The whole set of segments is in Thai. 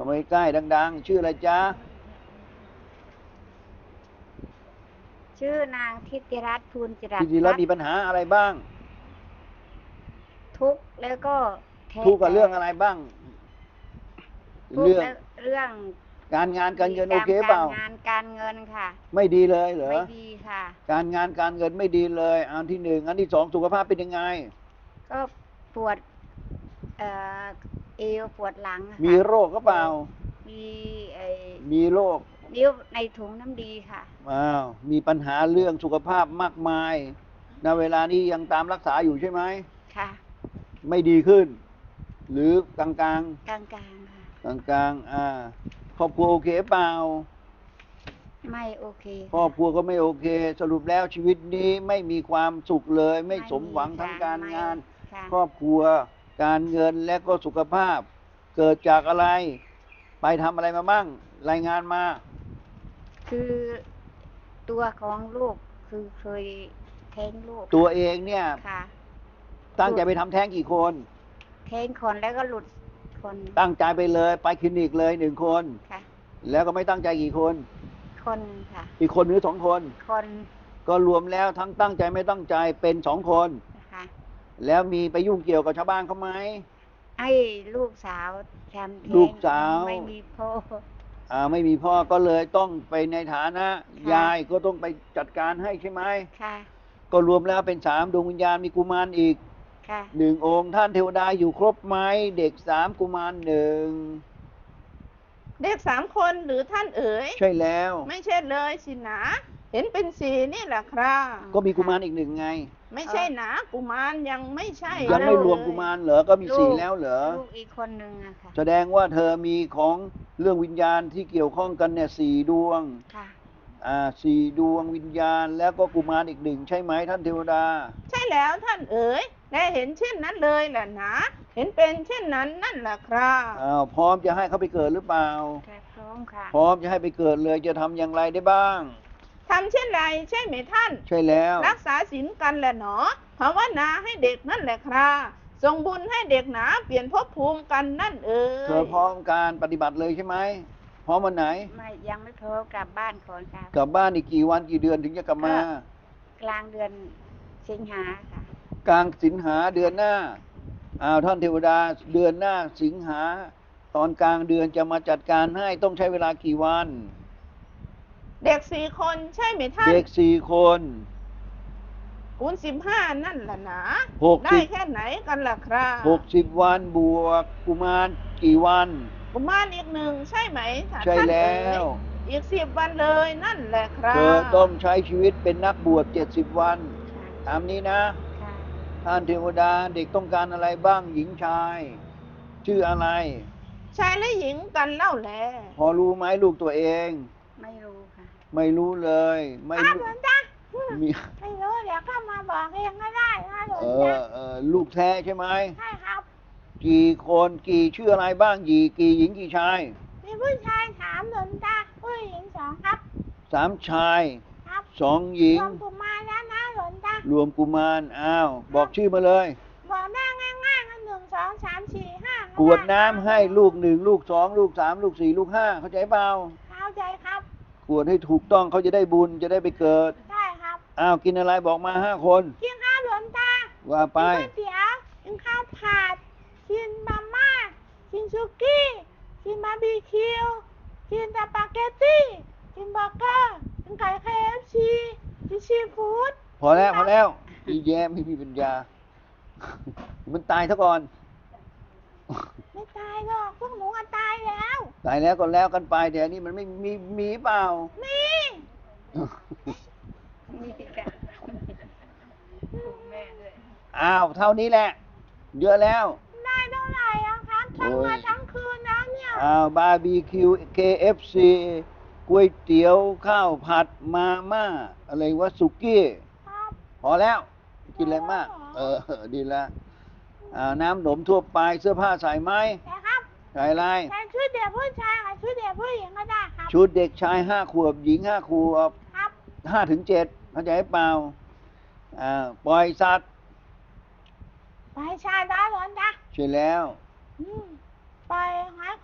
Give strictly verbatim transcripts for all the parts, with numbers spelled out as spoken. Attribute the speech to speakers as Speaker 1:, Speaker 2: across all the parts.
Speaker 1: ามาใกล้ดังๆชื่ออะไรจ๊ะ
Speaker 2: ชื่อนางทิติรัตน์ภูลจิรัต
Speaker 1: ทิ
Speaker 2: น์
Speaker 1: ติรัตน์มีปัญหาอะไรบ้าง
Speaker 2: ทุกข์แล้วก็
Speaker 1: ทุกข์กับเรื่องอะไรบ้าง
Speaker 2: ทุกข์
Speaker 1: เรื่อง
Speaker 2: เรื่อง
Speaker 1: การงานการเงินโอเคเป
Speaker 2: กา
Speaker 1: ล่า
Speaker 2: รงานการเงินค่ะ
Speaker 1: ไม่ดีเลยเหรอ
Speaker 2: ไม่ดีค่ะ
Speaker 1: การงานการเงินไม่ดีเลยอันที่หนึ่งอันที่สองสุขภาพเป็นยังไง
Speaker 2: ก็ปวดเอ่อเอวปวดหลังค่ะ
Speaker 1: มีโรคก็เปล่า
Speaker 2: มีไอ
Speaker 1: มีโรค
Speaker 2: นิ้วในถุงน้ำดีค่ะ
Speaker 1: อ้าวมีปัญหาเรื่องสุขภาพมากมายณเวลานี้ยังตามรักษาอยู่ใช่ไหม
Speaker 2: ค่ะ
Speaker 1: ไม่ดีขึ้น หรือกลางกลาง
Speaker 2: กลางกลางค่ะ
Speaker 1: กลางกลางอ่าครอบครัวโอเคเปล่า
Speaker 2: ไม่โอเค
Speaker 1: ครอบครัวก็ไม่โอเค สรุปแล้วชีวิตนี้ไม่มีความสุขเลย ไม่สมหวังทั้งการงาน ครอบครัวการเงินและก็สุขภาพ เกิดจากอะไร ไปทำอะไรมาบ้างรายงานมา
Speaker 2: คือตัวของลูกคือเคยแท้งลูก
Speaker 1: ตัวเองเนี่ย
Speaker 2: ค่ะ
Speaker 1: ตั้งใจไปทำแท้งกี่คน
Speaker 2: แท้งคนแล้วก็หลุดคน
Speaker 1: ตั้งใจไปเลยไปคลินิกเลยหนึ่งคน
Speaker 2: ค่ะ
Speaker 1: แล้วก็ไม่ตั้งใจกี่คน
Speaker 2: คนค่ะ
Speaker 1: อีกคนหรือสองคน
Speaker 2: คน
Speaker 1: ก็รวมแล้วทั้งตั้งใจไม่ตั้งใจเป็นสองคน
Speaker 2: ค่ะ
Speaker 1: แล้วมีไปยุ่งเกี่ยวกับชาวบ้านเขาไหม
Speaker 2: ไอ้ลูกสาวทำแท้ง
Speaker 1: ลูกสาว
Speaker 2: ไม่มีพ่อ
Speaker 1: อ่าไม่มีพ่อก็เลยต้องไปในฐานะยายก็ต้องไปจัดการให้ใช่ไหม
Speaker 2: ค่ะ
Speaker 1: ก็รวมแล้วเป็นสามดวงวิญญาณมีกุมารอีก
Speaker 2: ค่ะ
Speaker 1: หนึ่งองค์ท่านเทวดาอยู่ครบไหมเด็กสามกุมารหนึ่ง
Speaker 3: เด็กสามคนหรือท่านเอ๋ย
Speaker 1: ใช่แล้ว
Speaker 3: ไม่ใช่เลยสินะเห็นเป็นสี่นี่แหละครับ
Speaker 1: ก็มีกุมารอีกหนึ่งไง
Speaker 3: ไม่ใช่นะกุมารยังไม่ใช่
Speaker 1: ยังไม่รวมกุมารเหรอก็มีสี่แล้วเหรอ
Speaker 2: ลูกอีกคนหนึ่งอะค่ะ
Speaker 1: แสดงว่าเธอมีของเรื่องวิญญาณที่เกี่ยวข้องกันเนี่ยสี่ดวง
Speaker 2: ค่ะ
Speaker 1: อ่าสี่ดวงวิญญาณแล้วก็กุมารอีกหนึ่งใช่ไหมท่านเทวดา
Speaker 3: ใช่แล้วท่านเอ๋ยและเห็นเช่นนั้นเลยแหละนะเห็นเป็นเช่นนั้นนั่นแหละครับ
Speaker 1: อ้าวพร้อมจะให้เขาไปเกิดหรือเปล่า
Speaker 2: พร้อมค่ะ
Speaker 1: พร้อมจะให้ไปเกิดเลยจะทำอย่างไรได้บ้าง
Speaker 3: ทำเช่นไรใช่ไหมท่าน
Speaker 1: ใช่แล้ว
Speaker 3: รักษาศีลกันแหละหนอภาวนาให้เด็กนั่นแหละครับส่งบุญให้เด็กหนาเปลี่ยนภพภูมิกันนั่นเอ๋ย
Speaker 1: เธอพร้อมการปฏิบัติเลยใช่ไหมพร้อมวันไหน
Speaker 2: ไม่ยังไม่พร้อมกลับบ้านก่อนค่ะ
Speaker 1: กลับบ้านอีกกี่วันกี่เดือนถึงจะกลับมาก
Speaker 2: ลางเดือนสิงหาค่ะ
Speaker 1: กลางสิงหาเดือนหน้าอ้าวท่านเทวดาเดือนหน้าสิงหาตอนกลางเดือนจะมาจัดการให้ต้องใช้เวลากี่วัน
Speaker 3: เด็กสี่คนใช่ไหมท่าน
Speaker 1: เด็กสี่คน
Speaker 3: คูณสิบห้านั่นแหละนะ
Speaker 1: หก
Speaker 3: ได้แค่ไหนกันล่ะครับ
Speaker 1: หกสิบวันบวกกุมารกี่วัน
Speaker 3: กุมารอีกหนึ่งใช่ไหม
Speaker 1: ใช่แล้ว
Speaker 3: อีกสิบวันเลยนั่นแหละครับ
Speaker 1: เธอต้องใช้ชีวิตเป็นนักบวชเจ็ดสิบวันตามนี้นะท่านเทวดาเด็กต้องการอะไรบ้างหญิงชายชื่ออะไร
Speaker 3: ชายและหญิงกันเล่าแล
Speaker 1: พอรู้ไหมลูกตัวเอง
Speaker 2: ไม่รู้ค่ะ
Speaker 1: ไม่รู้เลยไม่รู้
Speaker 3: มีไม่รู้เดี๋ยวเข้ามาบอกเองก็ได้นะหลวง
Speaker 1: เอ
Speaker 3: ตา
Speaker 1: อเออลูกแท้ใช่ไหม
Speaker 3: ใช่ครับ
Speaker 1: กี่คนกี่ชื่ออะไรบ้างกี่กี่หญิงกี่ชาย
Speaker 3: มีผู้ชายสามหลวงตาผู้หญิงสองครับ
Speaker 1: สามชายสองหญิง
Speaker 3: รวมกุมารแล้วนะหลวงตาร
Speaker 1: วมกุมารอ้าวบอกชื่อมาเลย
Speaker 3: บอกได้ง่ายๆกันหนึ่งสองสามสี่ห้าก
Speaker 1: รวดน้ำให้ลูกหนึ่งลูกสองลูกสามลูกสี่ลูกห้าเข้าใจเปล่า
Speaker 3: เข้าใจครับ
Speaker 1: กรวดให้ถูกต้องเขาจะได้บุญจะได้ไปเกิด
Speaker 3: ใช่ครับ
Speaker 1: อ้าวกินอะไรบอกมาห้าคน
Speaker 3: กินข้าวหลวงตา
Speaker 1: ว่าไป
Speaker 3: กินก๋วยเตี๋ยวกินข้าวผัดกินมาม่ากินซุกี้กินบาร์บีคิวกินสปาเกตตี้กินเบอร์เกอร์กินไก่ เค เอฟ ซี กินซีฟู้ด
Speaker 1: พอแล้วพอแล้วอีแย้ไม่มีปัญญามันตายซะก่อน
Speaker 3: ไม่ตายหรอกพวกหนูอะตายแล้ว
Speaker 1: ตายแล้วก็แล้วกันไปแต่นี่มันไม่มีมีเปล่า
Speaker 3: มี
Speaker 2: มีค่ะแม่ด้วย
Speaker 1: อ้าวเท่านี้แหละเยอะแล้ว
Speaker 3: ได้เท่าไหร่อะครับทั้งวันทั้งคืนแล้วเนี่ย
Speaker 1: อ้าวบาร์บีคิว เค เอฟ ซี ก๋วยเตี๋ยวข้าวผัดมาม่าอะไรวะสุกี้พอแล้วกินอะไรมากเออดีแล้วอ่าน้ำหนมทั่วไปเสื้อผ้าใส่ไหม
Speaker 3: ใช่ครับ
Speaker 1: ใส่อะไร
Speaker 3: ใส่ชุดเด็กผู้ชายกับชุดเด็กผู้หญิงก็ได้ครับ
Speaker 1: ชุดเด็กชายห้าขวบหญิงห้าขวบ
Speaker 3: ครับ
Speaker 1: ห้าถึงเจ็ดเข้าใจเปล่าอ่าปล่อยสัตว์
Speaker 3: ปล่อยชายได้หรอจ๊ะ
Speaker 1: ใช่แล้ว
Speaker 3: อืมปล่อยหาข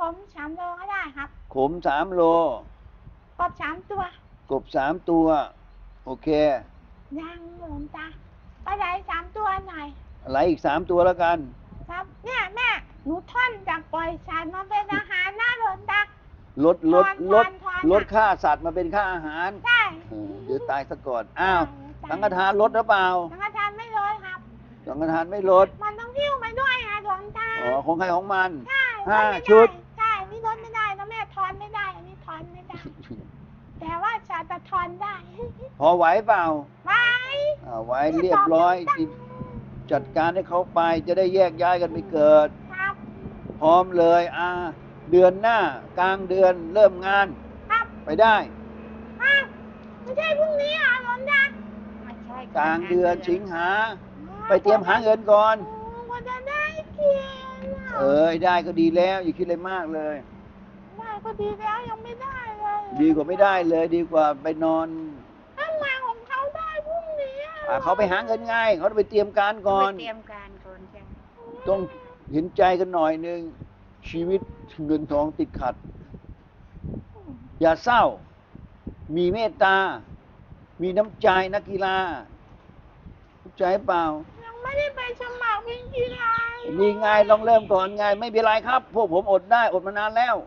Speaker 3: มสามโลก็ได้ครับ
Speaker 1: ขมสามโล
Speaker 3: กบสามตัว
Speaker 1: กบสามตัว โอเค
Speaker 3: ยังหลวงตาปลาไหลสามตัวหน่อย
Speaker 1: อะไรอีกสามตัวแล้วกัน
Speaker 3: ครับ เนี่ยแม่หนูท่อนจากปล่อยสัตว์มาเป็นอาหารหน้าหลวงตา
Speaker 1: ลดลด
Speaker 3: ทอน
Speaker 1: ลด
Speaker 3: ทอนทอน
Speaker 1: ลดค่าสัตว์มาเป็นค่าอาหาร
Speaker 3: ใช่
Speaker 1: เออเดี๋ยวตายซะก่อน อ้าว
Speaker 3: ใช่
Speaker 1: สังฆทานลดหรือเปล่า
Speaker 3: สังฆทานไม่ลดครับ
Speaker 1: สังฆทานไม่ลด
Speaker 3: มันต้องหิ้วไปด้วยนะหลวงตา
Speaker 1: อ๋อ ของใครของมัน
Speaker 3: ใช่
Speaker 1: ห้า
Speaker 3: ลไม่ไ
Speaker 1: ชุด
Speaker 3: ใช่นี่ลดไม่ได้นะแม่ทอนไม่ได้อันนี้ทอนไม่ได้ แต่ว่าจะจะทอนได้
Speaker 1: พอไหวเปล่า
Speaker 3: ไว้
Speaker 1: อ่าไหวเรียบร้อยที่จัดการให้เขาไป จะได้แยกย้ายกันไปเกิด
Speaker 3: ครับ
Speaker 1: พร้อมเลย อ่า เดือนหน้ากลางเดือนเริ่มงาน
Speaker 3: ครับ
Speaker 1: ไปได้
Speaker 3: ครับไม่ใช่พรุ่งนี้เหรอหลวงตา
Speaker 2: ไม่ใช่
Speaker 1: กลางเดือนสิงหา ไปเตรียมหาเงินก่อน
Speaker 3: โอ้กว่าจะได้กินอะ
Speaker 1: เอ้ยได้ก็ดีแล้ว อย่าคิดอะไรมากเลย
Speaker 3: ได้ก็ดีแล้วยังไม่ได้เลย
Speaker 1: ดีกว่าไม่ได้เลย ดีกว่าไปนอน
Speaker 3: ทำไมของเขาได้พรุ่งนี้อะ
Speaker 1: อ่าเขาไปหาเงินไงเขาต้องไปเตรียมการก่อน
Speaker 2: ไปเตรียมการก่อนจ้ะ
Speaker 1: ต้องเห็นใจกันหน่อยหนึ่งชีวิตเงินทองติดขัด อย่าเศร้า มีเมตตา มีน้ำใจนักกีฬาเข้าใจเปล่า
Speaker 3: ยังไม่ได้ไปสมัครเป็นกีฬาเลย
Speaker 1: นี่ไงลองเริ่มก่อนไง ไม่เป็นไรครับ พวกผมอดได้อดมานานแล้ว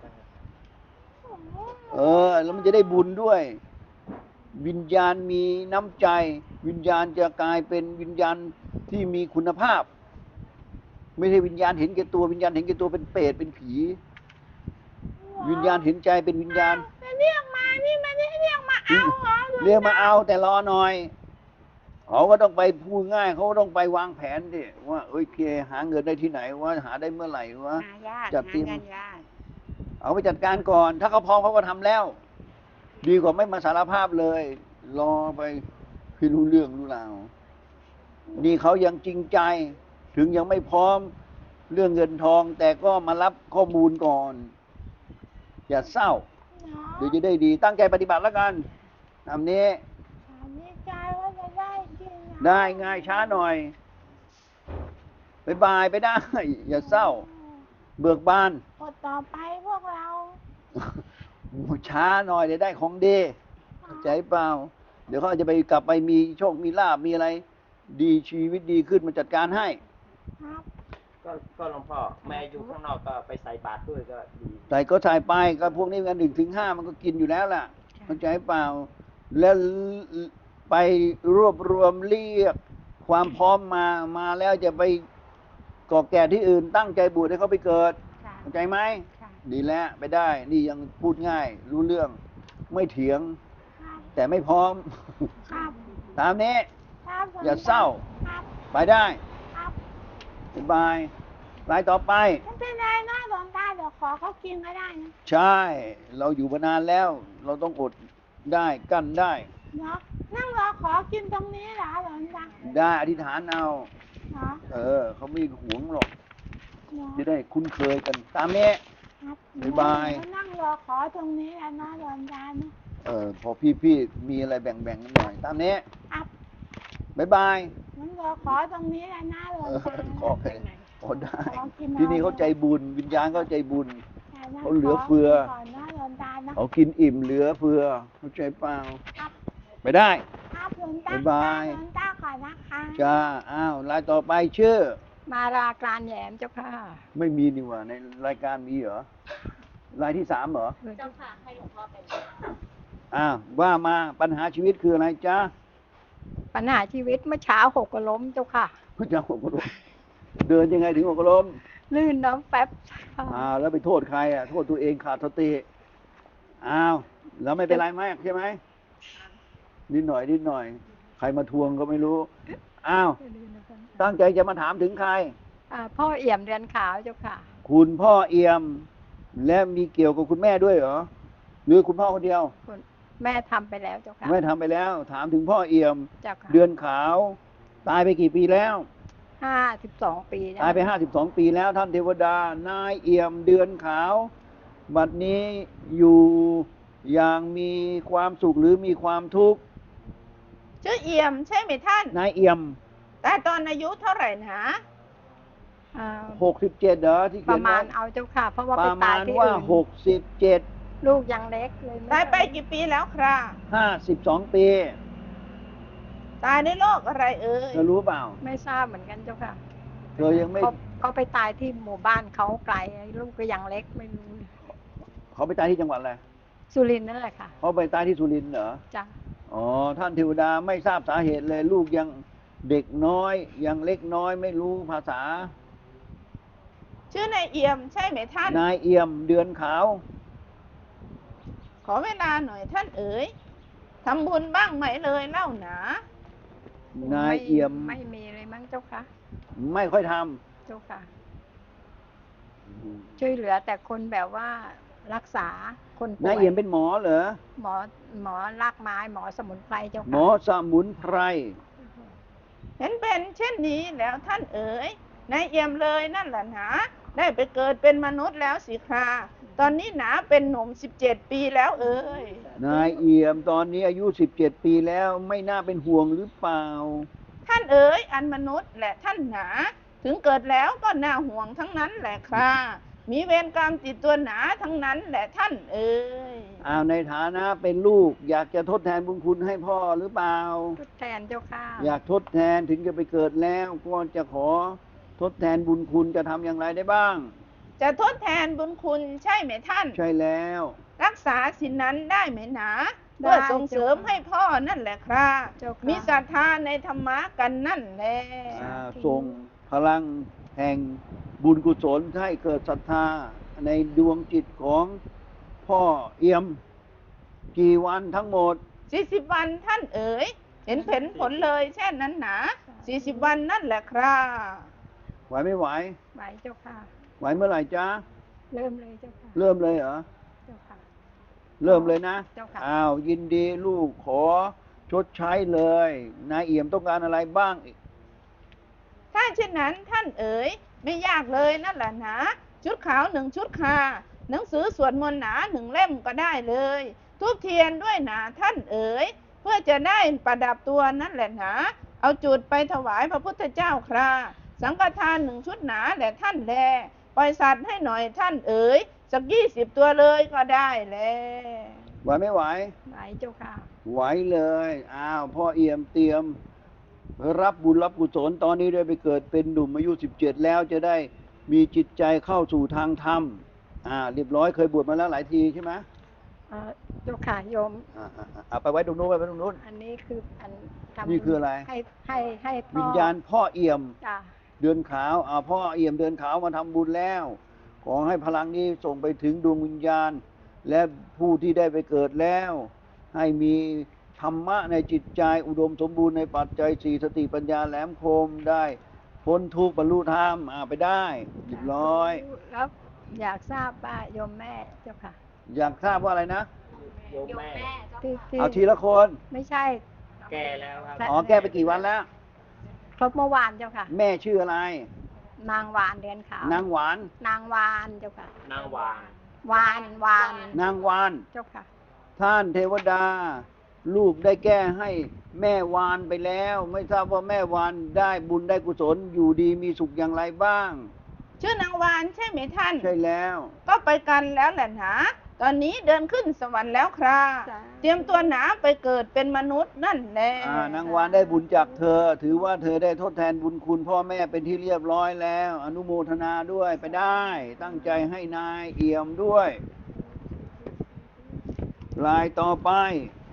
Speaker 1: เออ แล้วมันจะได้บุญด้วย วิญญาณมีน้ำใจ วิญญาณจะกลายเป็นวิญญาณที่มีคุณภาพ ไม่ใช่วิญญาณเห็นแก่ตัววิญญาณเห็นแก่ตัวเป็นเปรตเป็นผี วิญญาณเห็นใจเป็นวิญญาณ
Speaker 3: แต่เรียกมานี่ไม่ได้เรียกมาเอาเหรอหลวงต
Speaker 1: เรียกมาเอาแต่รอหน่อยเขาก็ต้องไปพูดง่ายเขาก็ต้องไปวางแผนดิว่าเอ้ยเคหาเงินได้ที่ไหนว่าหาได้เมื่อไหร่วะ
Speaker 2: หายาก
Speaker 1: จัด
Speaker 2: หา
Speaker 1: เตรียม
Speaker 2: เงินยาก
Speaker 1: เอาไปจัดการก่อน ถ้าเขาพร้อมเขาก็ทำแล้ว ดีกว่าไม่มาสารภาพเลย รอไปพี่รู้เรื่องรู้ราวนี่เขายังจริงใจ ถึงยังไม่พร้อมเรื่องเงินทอง แต่ก็มารับข้อมูลก่อน อย่าเศร้า เดี๋ยวจะได้ดีตั้งใจปฏิบัติแล้วกันทำนี้
Speaker 3: ถามในใจว่าจะได้กินอะ
Speaker 1: ได้ง่ายช้าหน่อยบายบายไปได้ อย่าเศร้า เบิกบาน
Speaker 3: กดต่อไปพวกเรา
Speaker 1: ช้าหน่อยเดี๋ยวได้ของดีเข้าใจเปล่า เดี๋ยวเขาจะไปกลับไปมีโชคมีลาบมีอะไร ดีชีวิตดีขึ้นมาจัดการให้
Speaker 3: ครับ
Speaker 4: ก็ก็หลวงพ่อแม่อยู่ข้างนอกก็ไปใส่บาตรด้วยก็ดี
Speaker 1: ใส่ก็ใส่ไปก็พวกนี้กันหนึ่งถึงห้ามันก็กินอยู่แล้วล่ะเข้าใจเปล่า แล้วไปรวบรวมเรียกความพร้อมมามาแล้วจะไปก่อแก่ที่อื่นตั้งใจบวชให้เขาไปเกิด
Speaker 2: ค่ะ
Speaker 1: เข้าใจไหม
Speaker 2: ค่ะ
Speaker 1: ดีแล้วไปได้ นี่ยังพูดง่าย รู้เรื่องไม่เถียง
Speaker 3: ครับ
Speaker 1: แต่ไม่พร้อม
Speaker 3: ครับ
Speaker 1: ตามนี้
Speaker 3: ครับหลวงต
Speaker 1: อย่าเศร้า
Speaker 3: ครับ
Speaker 1: ไปได้
Speaker 3: ครับ
Speaker 1: สบายรายต่อไป
Speaker 3: ไม่เป็นไรนะหลวงตาเดี๋ยวขอเขากินก็ได้นะ
Speaker 1: ใช่ เราอยู่มานานแล้ว เราต้องอดได้กั้นได้
Speaker 3: เนาะนั่งรอขอกินตรงนี้เหรอหลวงตา
Speaker 1: ได้อธิษฐานเอา
Speaker 3: เนาะ
Speaker 1: เออ เขาไม่หวงหรอก
Speaker 3: เนาะ
Speaker 1: จะได้คุ้นเคยกัน ตามนี้
Speaker 3: ครับ
Speaker 1: บ๊ายบาย
Speaker 3: เดี๋วนั่งรอขอตรงนี้แหละนะหลวงตาเนาะ
Speaker 1: เออ พอพี่ๆมีอะไรแบ่งๆกันหน่อย ตามนี้
Speaker 3: ครับ
Speaker 1: บ๊ายบาย
Speaker 3: นั่งรอขอตรงนี้แหละนะหลว
Speaker 1: เอง อ
Speaker 3: ตา
Speaker 1: ขอไปโอ้ได้
Speaker 3: ขอกิน
Speaker 1: ที่นี่เขาใจ
Speaker 3: เอา
Speaker 1: บุญ วิญญาณเขาใจบุญ
Speaker 3: แต่นั่ง
Speaker 1: เขาเหลือเฟือ
Speaker 3: ขก่อนนะหลวงตานะ
Speaker 1: เขากินอิ่มเหลือเฟือเข้าใจเปล่า
Speaker 3: ครับ
Speaker 1: ไปได้
Speaker 3: ครับหลวงตา
Speaker 1: บ๊ายบาย
Speaker 3: หลวงตาขอนะคะ
Speaker 1: จ้า อ้าวรายต่อไปชื่อ
Speaker 2: มาราการแหยมเจ้าค่ะ
Speaker 1: ไม่มีนี่หว่าในรายการมีเหรอ รายที่สามเหรอ
Speaker 2: เจ้าค่ะให้หลวงพ่อเป็น
Speaker 1: อ้าวว่ามาปัญหาชีวิตคืออะไรจ๊ะ
Speaker 2: ปัญหาชีวิตเมื่อเช้าหกล้มเจ้าค่ะ
Speaker 1: พระเจ้าหกล้มเดินยังไงถึงหกล้ม
Speaker 2: ลื่นน้ำแป๊บค่ะ
Speaker 1: อ้าวแล้วไปโทษใครอ่ะ โทษตัวเองขาดสติอ้าวแล้วไม่เป็นไรมากใช่ไหมนิดหน่อยนิดหน่อย ใครมาทวงก็ไม่รู้ อ้าว ตั้งใจจะมาถามถึงใคร
Speaker 2: อ่าพ่อเอี่ยมเรือนขาวเจ้าค่ะ
Speaker 1: คุณพ่อเอี่ยม และมีเกี่ยวกับคุณแม่ด้วยเหรอ หรือคุณพ่อคนเดียว
Speaker 2: คุณแม่ทำไปแล้วเจ้าค่ะ
Speaker 1: แม่ทำไปแล้ว ถามถึงพ่อเอี่ยม
Speaker 2: เจ้าค่ะ
Speaker 1: เดือนขาว ตายไปกี่ปีแล้ว
Speaker 2: ห้าสิบสองปีแล้ว
Speaker 1: ตายไปห้าสิบสองปีแล้วท่านเทวดา นายเอี่ยมเดือนขาว บัดนี้อยู่อย่างมีความสุขหรือมีความทุกข์
Speaker 3: ชื่อเอี่ยมใช่ไหมท่าน
Speaker 1: นายเอี่ยม
Speaker 3: แต่ตอนอายุเท่าไหร่นะ
Speaker 2: อ่า
Speaker 1: หกสิบเจ็ดเหรอที่
Speaker 2: ป
Speaker 1: เขีย
Speaker 2: ระ
Speaker 1: น
Speaker 2: มา
Speaker 1: ไว้
Speaker 2: ณเอาเจ้าค่ะ เพราะว่า
Speaker 1: ป
Speaker 2: ไประ ตาม
Speaker 1: าย ณ
Speaker 2: ที่
Speaker 1: ว่า
Speaker 2: อื่น
Speaker 1: หกสิบเจ็ด
Speaker 2: ลูกยังเล็กเลยม่
Speaker 3: ตายไปกี่ปีแล้วครับ
Speaker 1: ห้าสิบสองปี
Speaker 3: ตายในโรคอะไรเอ่ย
Speaker 1: เธอรู้เปล่า
Speaker 2: ไม่ทราบเหมือนกันเจ้าค่ะ
Speaker 1: เธอยังไม่
Speaker 2: เขาเขาไปตายที่หมู่บ้านเขาไกลลูกก็ยังเล็กไม่รู้
Speaker 1: เขาไปตายที่จังหวัดอะไร
Speaker 2: สุรินทร์นั่นแหละค่ะ
Speaker 1: เขาไปตายที่สุรินทร์เหรอ
Speaker 2: จ้ะ
Speaker 1: อ๋อท่านเทวดาไม่ทราบสาเหตุเลย ลูกยังเด็กน้อย ยังเล็กน้อยไม่รู้ภาษา
Speaker 3: ชื่อนายเอี่ยมใช่ไหมท่าน
Speaker 1: นายเอี่ยมเดือนขาว
Speaker 3: ขอเวลาหน่อยท่านเอ๋ยทำบุญบ้างไหมเลยเล่าหนา
Speaker 1: นายเอี่ยม
Speaker 2: ไม่มีเลยมั้งเจ้าค่ะ
Speaker 1: ไม่ค่อยท
Speaker 2: เจ้าค่ะ
Speaker 1: ำ
Speaker 2: ช่วยเหลือแต่คนแบบว่ารักษาคนป่วย
Speaker 1: นายเอี่ยมเป็นหมอเหรอ
Speaker 2: หมอหมอรากไม้หมอสมุนไพรเจ้า
Speaker 1: หม
Speaker 2: ค่ะ
Speaker 1: อสมุนไพร
Speaker 3: เห็นเป็นเช่นนี้แล้วท่านเอ๋ยนายเอี่ยมเลยนั่นแหละหนาได้ไปเกิดเป็นมนุษย์แล้วสิคราตอนนี้หนาเป็นหนุ่มสิบเจ็ดปีแล้วเอ๋ย
Speaker 1: นายเอี่ยมตอนนี้อายุสิบเจ็ดปีแล้วไม่น่าเป็นห่วงหรือเปล่า
Speaker 3: ท่านเอ๋ยอันมนุษย์และท่านหนา ถึงเกิดแล้วก็น่าห่วงทั้งนั้นแหละครามีเวรกรรมติดตัวหนาทั้งนั้นแหละท่านเอ๋ย
Speaker 1: อ้าวในฐานะเป็นลูก อยากจะทดแทนบุญคุณให้พ่อหรือเปล่า
Speaker 2: ทดแทนเจ้าค่ะ
Speaker 1: อยากทดแทนถึงจะไปเกิดแล้วก็จะขอทดแทนบุญคุณจะทำอย่างไรได้บ้าง
Speaker 3: จะทดแทนบุญคุณใช่ไหมท่าน
Speaker 1: ใช่แล้ว
Speaker 3: รักษาสินนั้นได้ไหมหนาเพื่อส่งเสริมให้พ่อนั่นแหละครา
Speaker 2: เจ้าค่ะ
Speaker 3: มีศรัทธาในธรรมะกันนั่นแหละ
Speaker 1: อ่าส่งพลังแห่งบุญกุศลให้เกิดศรัทธาในดวงจิตของพ่อเอี่ยมกี่วันทั้งหมด
Speaker 3: สี่สิบวันท่านเอ๋ยเห็นเห็นผลเลยเช่นนั้นหนาสี่สิบวันนั่นแหละครา
Speaker 1: ไหวไม่ไหว
Speaker 2: ไหวเจ้าค่ะ
Speaker 1: ไหวเมื่อไหร่จ๊ะ
Speaker 2: เริ่มเลยเจ้าค่ะ
Speaker 1: เริ่มเลยเหรอ
Speaker 2: เจ้าค่ะ
Speaker 1: เริ่มเลยนะ
Speaker 2: เจ้าค่ะ
Speaker 1: อ้าวยินดีลูกขอชดใช้เลย นายเอี่ยมต้องการอะไรบ้าง
Speaker 3: ถ้าเช่นนั้นท่านเอ๋ยไม่ยากเลยนั่นแหละหนาชุดขาวหนึ่งชุดคาหนังสือสวดมนต์หนาหนึ่งเล่มก็ได้เลยทูบเทียนด้วยหนาท่านเอ๋ยเพื่อจะได้ประดับตัวนั่นแหละหนาเอาจุดไปถวายพระพุทธเจ้าคราสังฆทานหนึ่งชุดหนาแหละท่านแลปล่อยสัตว์ให้หน่อยท่านเอ๋ยสักยี่สิบตัวเลยก็ได้แล
Speaker 1: ไหวไม่ไหว
Speaker 2: ไหวเจ้าค่ะ
Speaker 1: ไหวเลย อ้าวพ่อเอี่ยมเตรียม รับบุญรับกุศลตอนนี้ได้ไปเกิดเป็นหนุ่มอายุสิบเจ็ดแล้วจะได้มีจิตใจเข้าสู่ทางธรรม อ่า เรียบร้อยเคยบวชมาแล้วหลายทีใช่ไหม
Speaker 2: เอ่อเจ้าค่ะโยม
Speaker 1: อ่าอ่าอ่าเอาไปไว้ตรงนู้นไปไว้ตรงนู้น
Speaker 2: อันนี้คืออันทำ
Speaker 1: นี่คืออะไร
Speaker 2: ให้ให้ให้พ่อ
Speaker 1: วิญญาณพ่อเอี่ยม
Speaker 2: จ้ะ
Speaker 1: เดือนขาวอ่าพ่อเอี่ยมเดือนขาวมาทำบุญแล้ว ขอให้พลังนี้ส่งไปถึงดวงวิญญาณ และผู้ที่ได้ไปเกิดแล้ว ให้มีธรรมะในจิตใจอุดมสมบูรณ์ในปัจจัยสี่สติปัญญาแหลมคมได้พ้นทุกข์บรรลุธรรมอ่าไปได้เรียบร้อย
Speaker 2: แล้วอยากทราบว่าโยมแม่เจ้าค่ะ
Speaker 1: อยากทราบว่าอะไรนะ
Speaker 4: โยมแม่
Speaker 2: ที่ที่
Speaker 1: เอาทีละคน
Speaker 2: ไม่ใช่
Speaker 4: แก่แล้วครับ
Speaker 2: และ
Speaker 1: อ๋อแก้ไปกี่วันแล้ว
Speaker 2: ครบเมื่อวานเจ้าค่ะ
Speaker 1: แม่ชื่ออะไร
Speaker 2: นางวานเดือนขาวน
Speaker 1: างหวาน
Speaker 2: นางวานเจ้าค่ะ
Speaker 4: นางวาง
Speaker 2: วานวาน
Speaker 1: นางวาน
Speaker 2: เจ้าค่ะ
Speaker 1: ท่านเทวดา ลูกได้แก้ให้แม่วานไปแล้ว ไม่ทราบว่าแม่วานได้บุญได้กุศลอยู่ดีมีสุขอย่างไรบ้าง
Speaker 3: ชื่อนางวานใช่ไหมท่าน
Speaker 1: ใช่แล้ว
Speaker 3: ก็ไปกันแล้วแหละหนาตอนนี้เดินขึ้นสวรรค์แล้วครา
Speaker 2: จ้ะ
Speaker 3: เตรียมตัวหนาไปเกิดเป็นมนุษย์นั่นแหละ
Speaker 1: อ่านางวานได้บุญจากเธอ ถือว่าเธอได้ทดแทนบุญคุณพ่อแม่เป็นที่เรียบร้อยแล้ว อนุโมทนาด้วยไปได้ ตั้งใจให้นายเอี่ยมด้วยลายต่อไป